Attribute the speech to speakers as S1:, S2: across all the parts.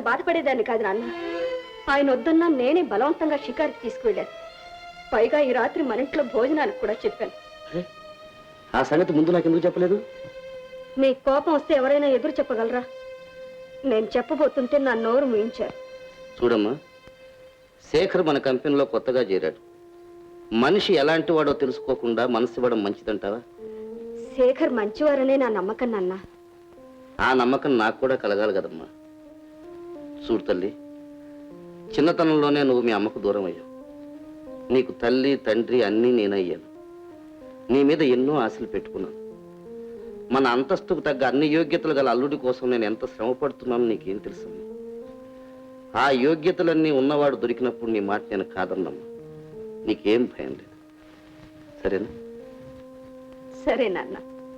S1: బాధపడేదాన్ని కాదు నాన్న. ఆయన వద్దన్నా నేనే బలవంతంగా షికారుకి తీసుకువెళ్ళాను. పైగా ఈ రాత్రి మన ఇంట్లో భోజనానికి కూడా చెప్పాను.
S2: ఆ సంగతి ముందు నాకు ఎందుకు చెప్పలేదు?
S1: మీ కోపం వస్తే ఎవరైనా ఎదురు చెప్పగలరా? నేను చెప్పబోతుంటే నా నోరు ముయించారు.
S2: చూడమ్మా, శేఖర్ మన కంపెనీలో కొత్తగా చేరాడు. మనిషి ఎలాంటి వాడో తెలుసుకోకుండా మనసు ఇవ్వడం మంచిదంటావా?
S1: శేఖర్ మంచివారనే నా నమ్మకం నాన్న.
S2: ఆ నమ్మకం నాకు కూడా కలగాలి కదమ్మా. చూడు తల్లి, చిన్నతనంలోనే నువ్వు మీ అమ్మకు దూరం అయ్యావు. నీకు తల్లి తండ్రి అన్నీ నేనయ్యాను. నీ మీద ఎన్నో ఆశలు పెట్టుకున్నాను. మన అంతస్తుకు తగ్గ అన్ని యోగ్యతలు గల అల్లుడి కోసం నేను ఎంత శ్రమ పడుతున్నానో నీకేం తెలుసు? ఆ యోగ్యతలన్నీ ఉన్నవాడు దొరికినప్పుడు నీ మాట నేను కాదన్నమ్మా. నీకేం భయం లేదు, సరేనా?
S1: సరే నాన్న.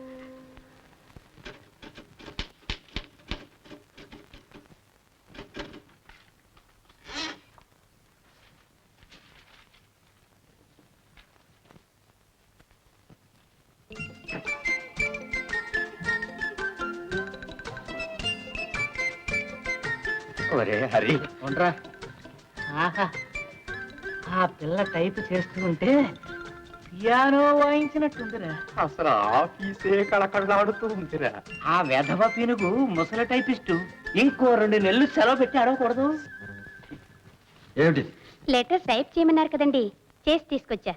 S3: ఒరే హరి,
S4: ఉండరా. ఆహా, ఆ పిల్ల టైప్ చేస్తూ ఉంటే పియానో వాయించినట్టుందిరా.
S3: అసలు ఆఫీసే కళకళలాడుతూ ఉందిరా.
S4: ఆ వెధవ పీనుగు ముసలి టైపిస్టు ఇంకో 2 నెలలు సెలవు పెట్టి అడగకూడదు.
S3: ఏమిటి?
S5: లెటర్ టైప్ చేయమన్నారు కదండి, చేసి తీసుకొచ్చా.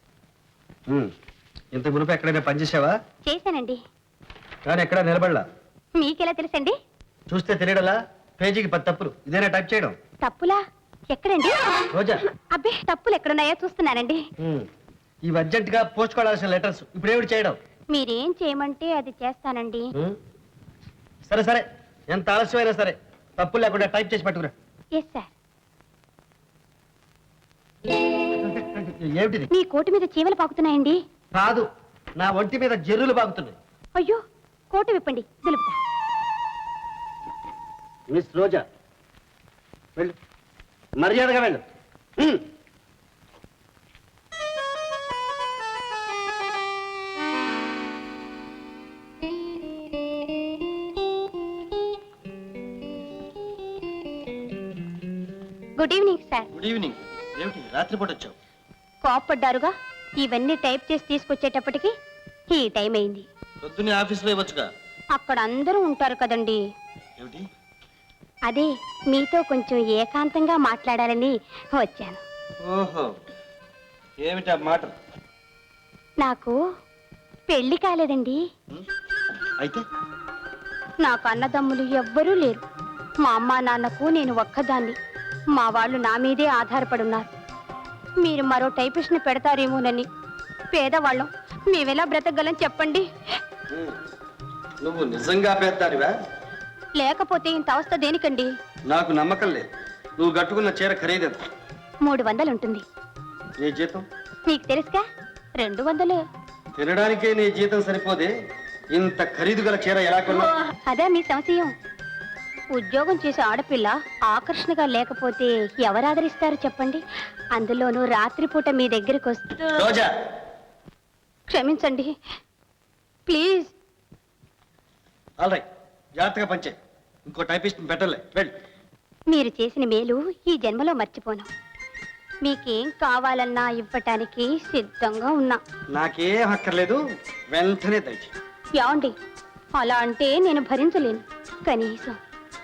S3: ఇంత మునుపు ఎక్కడైనా పనిచేసావా?
S5: చేశానండి.
S3: కానీ ఎక్కడా నిలబడలా.
S5: మీకెలా తెలుసండి?
S3: చూస్తే తెలియడలా? పేజీకి 10 తప్పులు. ఇదేనా టైప్ చేయడం?
S5: తప్పులా? ఎక్కడండి?
S3: రోజా,
S5: అబ్బే, తప్పులు ఎక్కడున్నాయో చూస్తున్నానండి.
S3: ఇవి అర్జెంట్ గా పోస్ట్ కావాల్సిన లెటర్స్. ఇప్పుడు ఏమిటి చేయడం?
S5: మీరేం చేయమంటే అది చేస్తానండి.
S3: సరే సరే, ఎంత ఆలస్యమైనా సరే తప్పులు లేకుండా టైప్ చేసి పట్టుకురా.
S5: Yes sir.
S3: ఏమిటిది?
S5: మీ కోటు మీద చీమలు పాకుతున్నాయండి.
S3: కాదు, నా ఒంటి మీద జర్రులు బాగుతున్నాయి.
S5: అయ్యో, కోటు విప్పండి, దులుపుతా.
S2: మిస్ రోజా, వెళ్ళు, మర్యాదగా వెళ్ళు.
S5: Good evening sir.
S3: Good evening. ఏమిటి రాత్రిపూట వచ్చావు?
S5: కోప్పడ్డారుగా, ఇవన్నీ టైప్ చేసి తీసుకొచ్చేటప్పటికి ఈ టైం అయింది.
S3: పొద్దున్నే ఆఫీసులో ఇవ్వచ్చుగా.
S5: అక్కడ అందరూ ఉంటారు కదండి.
S3: ఏమిటి?
S5: అదే మీతో కొంచెం ఏకాంతంగా మాట్లాడాలని వచ్చాను.
S3: ఓహో, ఏమిటా మాట?
S5: నాకు పెళ్లి కాలేదండి.
S3: అయితే
S5: నాకు అన్నదమ్ములు ఎవ్వరూ లేరు. మా అమ్మా నాన్నకు నేను ఒక్కదాన్ని. మా వాళ్ళు నా మీదే ఆధారపడున్నారు. మీరు మరో టైపిస్ట్ని పెడతారేమోనని. పేదవాళ్ళం, మేమెలా బ్రతకగలం చెప్పండి.
S3: నువ్వు నిజంగా పెద్దానివా?
S5: లేకపోతే ఇంత అవస్థ దేనికండి?
S3: నాకు నమ్మకం లేదు. నువ్వు కట్టుకున్న చీర ఖరీదెంత?
S5: 300 ఉంటుంది.
S3: నీ జీతం?
S5: మీకు తెలుసుగా, 200.
S3: తినడానికే నీ జీతం సరిపోదే, ఇంత ఖరీదు గల చీర ఎలా కొన్నా?
S5: అదే మీ సంశయం. ఉద్యోగం చేసే ఆడపిల్ల ఆకర్షణగా లేకపోతే ఎవరు ఆదరిస్తారు చెప్పండి? అందులోనూ రాత్రిపూట మీ దగ్గరికి వస్తూ.
S3: రోజా,
S5: క్షమించండి ప్లీజ్.
S3: ఆల్ రైట్, జాగ్రత్తగా పంచే. ఇంకో టైపిస్ట్ పెట్టలే. వెళ్ళి.
S5: మీరు చేసిన మేలు ఈ జన్మలో మర్చిపోను. మీకేం కావాలన్నా ఇవ్వటానికి సిద్ధంగా ఉన్నా.
S3: నాకేం అక్కర్లేదు, వెంటనే దయచి.
S5: యాండి, అలా అంటే నేను భరించలేను. కనీసం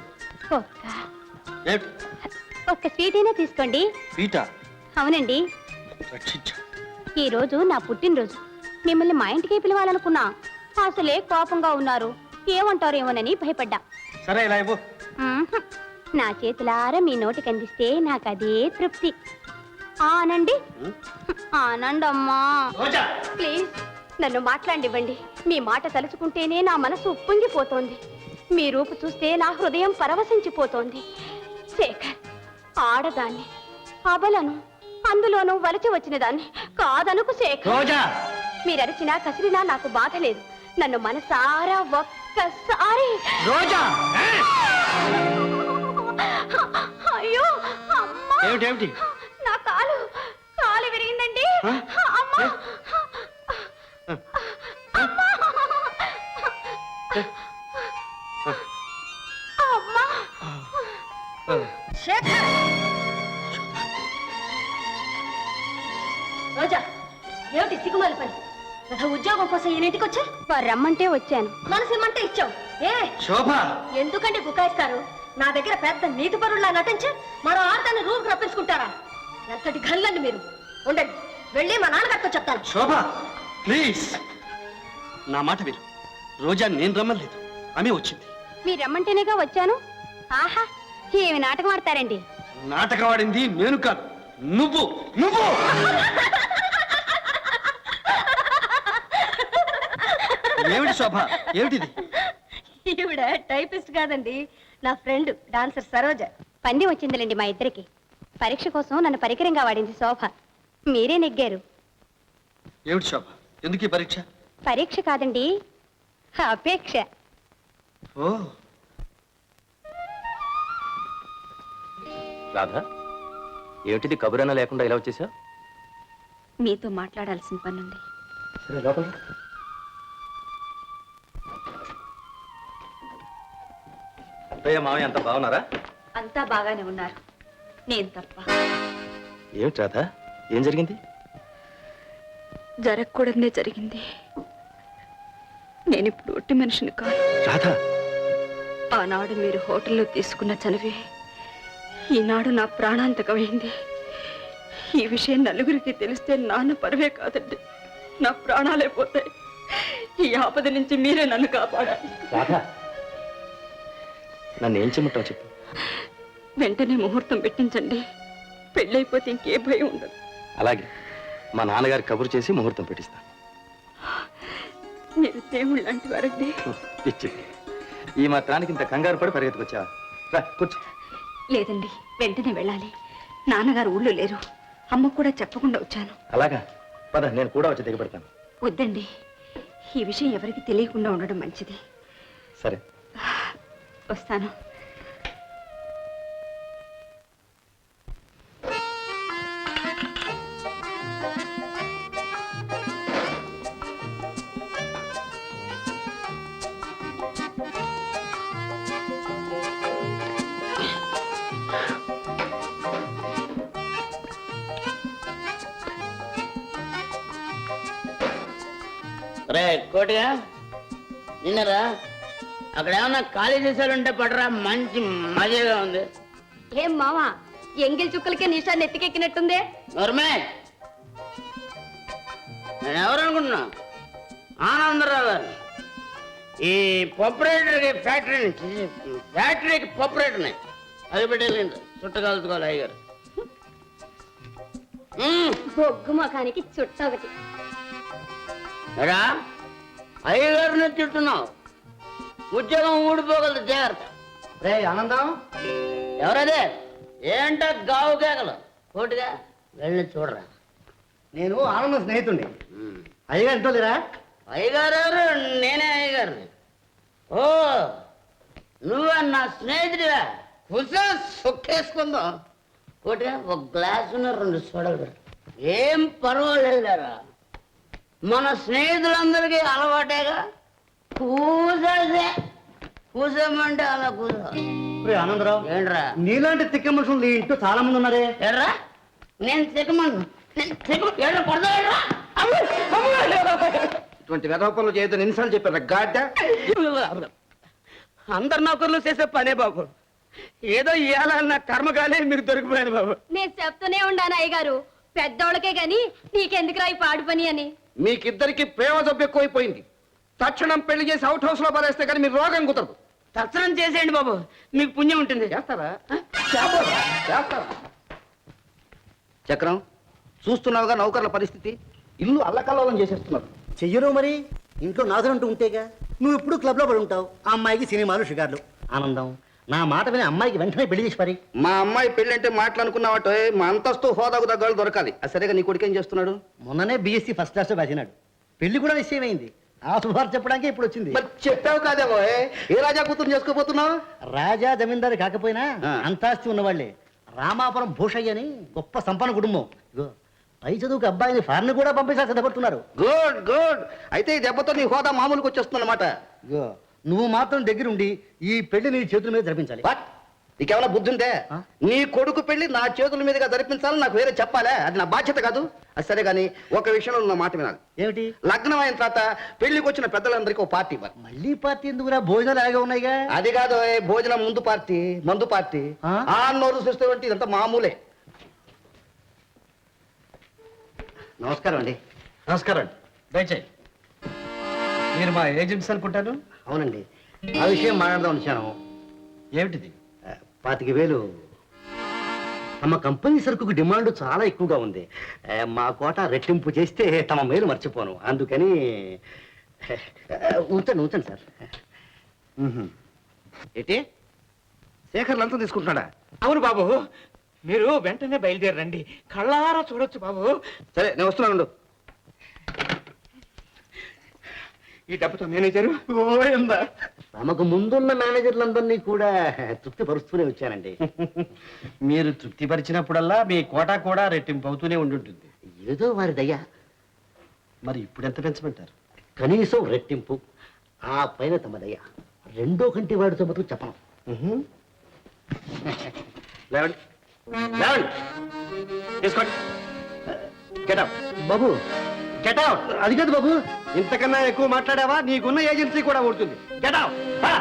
S5: ఒక్క స్వీట్ అయినా తీసుకోండి.
S3: స్వీటా?
S5: అవునండి,
S3: రక్షించు.
S5: ఈ రోజు నా పుట్టినరోజు. మిమ్మల్ని మా ఇంటికి పిలవాలనుకున్నా. అసలే కోపంగా ఉన్నారు, ఏమంటారేమోనని భయపడ్డా.
S3: సరే, ఇలా ఇవ్వు.
S5: నా చేతులారా మీ నోటికి అందిస్తే నాకు అదే తృప్తి. ఆనండి, ఆనండమ్మా. ప్లీజ్ నన్ను మాట్లాడివ్వండి. మీ మాట తలుచుకుంటేనే నా మనసు ఉప్పొంగిపోతోంది. మీ రూపు చూస్తే నా హృదయం పరవశించిపోతోంది. శేఖర్, ఆడదాన్ని, అబలను, అందులోనూ వలచి వచ్చిన దాన్ని కాదనుకు శేఖర్. మీరరిచినా కసిరినా నాకు బాధ లేదు. నన్ను మనసారా ఒక్కసారి. అయ్యో
S3: ఏమిటి?
S5: నా కాలు విరిగిందండి. అమ్మా,
S1: శేఖర్! రోజా, ఏమిటి సిగ్గుమాలి పని? ఉద్యోగం కోసం ఈయనింటికి వచ్చా?
S5: వారు రమ్మంటే వచ్చాను.
S1: మనసు ఇమ్మంటే ఇచ్చావు. ఏ
S3: శోభ
S1: ఎందుకంటే బుకాయిస్తారు? నా దగ్గర పెద్ద నీతి పరుల్లా నటించి మరో ఆడదాన్ని రూమ్ రప్పించుకుంటారా? ఎంతటి గల్లండి మీరు. ఉండండి, వెళ్ళి మా నాన్నగారితో చెప్తాను.
S3: శోభ ప్లీజ్ నా మాట విను. రోజా నేను రమ్మలేదు, ఆమె వచ్చింది.
S5: మీరు రమ్మంటేనేగా వచ్చాను. ఆహా, ఏమి నాటకం ఆడతారండి.
S3: నాటకం ఆడింది నేను కాదు, నువ్వు నువ్వు ఏమిటి శోభ, ఏమిటిది?
S1: ఈవిడ టైపిస్ట్ కాదండి, నా ఫ్రెండ్ డాన్సర్ సరోజ.
S5: పంది వచ్చిందిలేండి మా ఇద్దరికి. పరీక్ష కోసం నన్ను పరికరంగా వాడింది శోభ. మీరే నెగ్గారు.
S3: ఏమిటి శోభ, ఎందుకు ఈ పరీక్ష?
S5: పరీక్ష కాదండి, అపేక్ష.
S3: ఓ
S6: రాధా, ఏమిటిది కబురన్నా లేకుండా ఇలా వచ్చేసా?
S1: మీతో మాట్లాడాల్సిన పనుంది.
S6: సరే లోపల. అత్తయ్య మామయ్య అంత బాగున్నారా?
S1: అంతా బాగానే ఉన్నారు, నేను తప్ప.
S6: ఏమిటి రాధా, ఏం జరిగింది?
S1: జరగకూడదే జరిగింది. నేనిప్పుడు ఒట్టి మనిషిని కాదు.
S6: రాధా,
S1: ఆనాడు మీరు హోటల్లో తీసుకున్న చనివే ఈనాడు నా ప్రాణాంతకమైంది. ఈ విషయం నలుగురికి తెలిస్తే నాన్న పరువే కాదండి, నా ప్రాణాలే పోతాయి. ఈ ఆపద నుంచి మీరే నన్ను కాపాడాలి.
S6: రాధా, నన్ను ఏం చెమ్మంటావు చెప్పు.
S1: వెంటనే ముహూర్తం పెట్టించండి, పెళ్ళైపోతే ఇంకే భయం ఉండదు.
S6: అలాగే, మా నాన్నగారి కబురు చేసి ముహూర్తం పెట్టిస్తాను.
S1: మీరు దేవుళ్ళు లాంటి వారండి.
S6: పిచ్చి, ఈ మాత్రానికి ఇంత కంగారు పడి పరిగెత్తుకొచ్చావా? రా కూర్చో.
S1: లేదండి, వెంటనే వెళ్ళాలి. నాన్నగారు ఊళ్ళో లేరు, అమ్మకు కూడా చెప్పకుండా వచ్చాను.
S6: అలాగా, పద నేను కూడా వచ్చి దిగబెడతాను.
S1: వద్దండి, ఈ విషయం ఎవరికి తెలియకుండా ఉండడం మంచిది.
S6: సరే,
S1: వస్తాను.
S7: రే కోటిగా నిన్నరా అక్కడ ఏమన్నా ఖాళీ చేశారంటే పడరా, మంచి మజాగా ఉంది.
S1: ఏం మావా, ఎంగిల్ చుక్కలకే నిషాన్ని ఎత్తికెక్కినట్టుందే.
S7: నోర్మే, నేను ఎవరు అనుకుంటున్నా? ఆనందరావు గారు. ఈ పప్పురేటర్కి ఫ్యాక్టరీకి పప్పురేటర్ని అది పెట్టేసింది. చుట్టకాలుచుకోవాలి అయ్యగారు.
S1: బొగ్గు ముఖానికి చుట్ట ఒకటి.
S7: ఎరా అయ్యగారిని తిట్టున్నావు, ఉద్యోగం ఊడిపోగలదు, జాగ్రత్త.
S3: రే ఆనందం,
S7: ఎవరదే? ఏంట గావు కేకలు? కోటిగా వెళ్ళి చూడరా.
S3: నేను ఆనందం స్నేహితుడిని. అయ్యగా ఎంతో లేరా?
S7: అయ్యగారు ఎవరు? నేనే అయ్యగారిని. ఓ, నువ్వా నా స్నేహితుడివా? కూర్చో, సొక్కేసుకుందాం. కోటిగా ఒక గ్లాసున్న 2 సోడాలు పెట్టు. ఏం పర్వాలేదురా, మన స్నేహితులందరికీ అలవాటేగా. కూసేసే, కూసేమంటే అలా కూసో.
S3: ఆనందరావు,
S7: ఏంట్రా?
S3: నీలాంటి తిక్క మనుషులు నీ ఇంట్లో చాలా మంది ఉన్నారే.
S7: ఎర్రా, నేను తిక్కమను.
S2: ఇటువంటి వెధవ పనులు చేయొద్దని ఎన్నిసార్లు చెప్పారు గాడ్డ?
S4: అందరు నౌకర్లు చేసే పనే బాబు. ఏదో ఇవాళ నా కర్మగానే మీరు దొరికిపోయారు బాబు.
S1: నేను చెప్తూనే ఉండాను అయ్యగారు, పెద్దోళ్ళకే గాని నీకెందుకు రాయి పాడు పని అని.
S2: మీకిద్దరికి ప్రేమ జబ్బు ఎక్కువైపోయింది. తక్షణం పెళ్లి చేసి అవుట్ హౌస్ లో పడేస్తే కానీ మీరు రోగం కుదరదు.
S4: తక్షణం చేసేయండి బాబు, మీకు పుణ్యం ఉంటుంది.
S2: చేస్తారా? చేస్తారా? చక్రం, చూస్తున్నావుగా నౌకర్ల పరిస్థితి. ఇల్లు అల్లకల్లోలం చేసేస్తున్నారు.
S8: చెయ్యరు మరి, ఇంట్లో నాదులంటూ ఉంటేగా. నువ్వు ఎప్పుడు క్లబ్లో పడి ఉంటావు, ఆ అమ్మాయికి సినిమాలు షికార్లు. ఆనందం, నా మాట విని అమ్మాయికి వెంటనే పెళ్లి చేసి పరి.
S2: మా అమ్మాయి పెళ్లి అంటే మాట్లాడుకున్నావట, మా అంతస్తు హోదాకు దగ్గర దొరకాలి. సరేగా నీ కొడుకు ఏం చేస్తున్నాడు?
S8: మొన్ననే బీఎస్సీ ఫస్ట్ క్లాస్ రాసినాడు. పెళ్లి కూడా నిశ్చయమైంది. ఆ శుభార్త చెప్పడానికి ఇప్పుడు వచ్చింది.
S2: మరి చెప్పావు కాదేమో, ఏ రాజా కూతురు చేసుకోబోతున్నావు?
S8: రాజా జమీందారు కాకపోయినా
S2: ఆ.
S8: అంతాస్తి ఉన్నవాళ్లే. రామాపురం భూషయ్య అని గొప్ప సంపన్న కుటుంబం. ఇగో పై చదువుకు అబ్బాయిని ఫారెన్ కూడా పంపించాలి సిద్ధపడుతున్నారు.
S2: Good good. అయితే ఈ దెబ్బతో నీ హోదా మామూలుకి వచ్చేస్తుంది అనమాట.
S8: ఇగో నువ్వు మాత్రం దగ్గరుండి ఈ పెళ్లి నీ చేతుల మీద జరిపించాలి.
S2: బట్ నీకేమైనా బుద్ధి ఉందే నీ కొడుకు పెళ్లి నా చేతుల మీదుగా జరిపించాలని నాకు వేరే చెప్పాలే, అది నా బాధ్యత కాదు. అది సరే కానీ ఒక విషయంలో నా మాట వినాలి.
S8: ఏమిటి?
S2: లగ్నం అయిన తర్వాత పెళ్లికి వచ్చిన పెద్దలందరికీ ఒక పార్టీ ఇవ్వాలి.
S8: మళ్ళీ పార్టీ ఎందుకురా? భోజనాలు అలాగే ఉన్నాయిగా.
S2: అది కాదు, భోజనం ముందు పార్టీ, మందు పార్టీ. ఆ నోరు చూస్తే ఇదంతా మామూలే.
S8: నమస్కారం అండి.
S3: నమస్కారం అండి, దయచేయి. మీరు మా ఏజెంట్స్ అనుకుంటాను.
S8: అవునండి, ఆ విషయం మాట్లాడదాం వచ్చాను.
S3: ఏమిటిది?
S8: 25,000. తమ కంపెనీ సరుకుకు డిమాండ్ చాలా ఎక్కువగా ఉంది. మా కోట రెట్టింపు చేస్తే తమ మేలు మర్చిపోను. అందుకని ఉంచండి సార్.
S2: ఏంటి శేఖర్ లంచం తీసుకుంటున్నాడా?
S4: అవును బాబు, మీరు వెంటనే బయలుదేరండి, కళ్ళారా చూడొచ్చు బాబు.
S2: సరే నేను వస్తున్నాను.
S4: ఈ డబ్బుతో మేనేజరు గోవిందా.
S8: తమకు ముందున్న మేనేజర్లందరినీ కూడా తృప్తిపరుస్తూనే వచ్చానండి.
S3: మీరు తృప్తిపరిచినప్పుడల్లా మీ కోటా కూడా రెట్టింపు అవుతూనే ఉండుంటుంది.
S8: ఏదో వారి దయ.
S3: మరి ఇప్పుడు ఎంత పెంచమంటారు?
S8: కనీసం రెట్టింపు, ఆ పైన తమ దయ. రెండో కంటి వాడితో మటుకు చెప్పను.
S2: లేవండి లేవండి, తీసుకోండి. గెట్ అవుట్
S8: బాబు.
S2: Get out.
S8: అది కాదు బాబు.
S3: ఇంతకన్నా ఎక్కువ మాట్లాడావా నీకున్న ఏజెన్సీ కూడా ఊడుతుంది.
S2: Get out.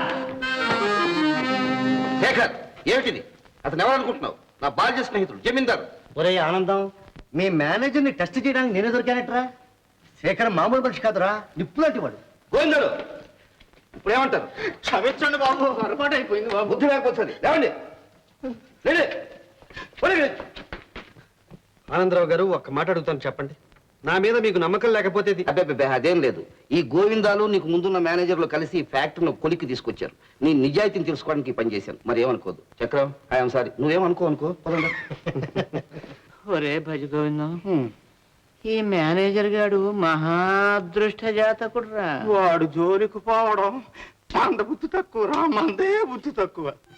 S2: శేఖర్, ఏమిటిది? అతను ఎవరనుకుంటున్నావు? నా బాల్య స్నేహితుడు జమీందారు.
S8: ఒరే ఆనందం, మీ మేనేజర్ని టెస్ట్ చేయడానికి నేనే దొరికానట్రా. శేఖర్ మామూలు మనిషి కాదురా, నిప్పులాంటి వాడు.
S2: గోవిందరు, ఇప్పుడు ఏమంటారు?
S4: క్షమించండి బాబు, పొరపాటు అయిపోయింది బాబు.
S2: బుద్ధి లేకపోతుంది. లేవండి లేండి.
S3: ఆనందరావు గారు, ఒక్క మాట అడుగుతాను, చెప్పండి. నా మీద మీకు నమ్మకం లేకపోతే
S2: అబ్బే అదేం లేదు. ఈ గోవిందాలు నీకు ముందున్న మేనేజర్లు కలిసి ఈ ఫ్యాక్టరీని కొలికి తీసుకొచ్చారు. నీ నిజాయితీని తెలుసుకోవడానికి ఈ పని చేశాను. మరి ఏమనుకోదు. చక్రం, ఐఎమ్ సారీ. నువ్వేమనుకో పదండి.
S7: ఒరే భజ గోవిందం, ఈ మేనేజర్ గాడు మహాదృష్ట జాతకుడు రా.
S4: వాడు జోలికి పోవడం మంద బుద్ధి తక్కువ రా, మందే బుద్ధి తక్కువ.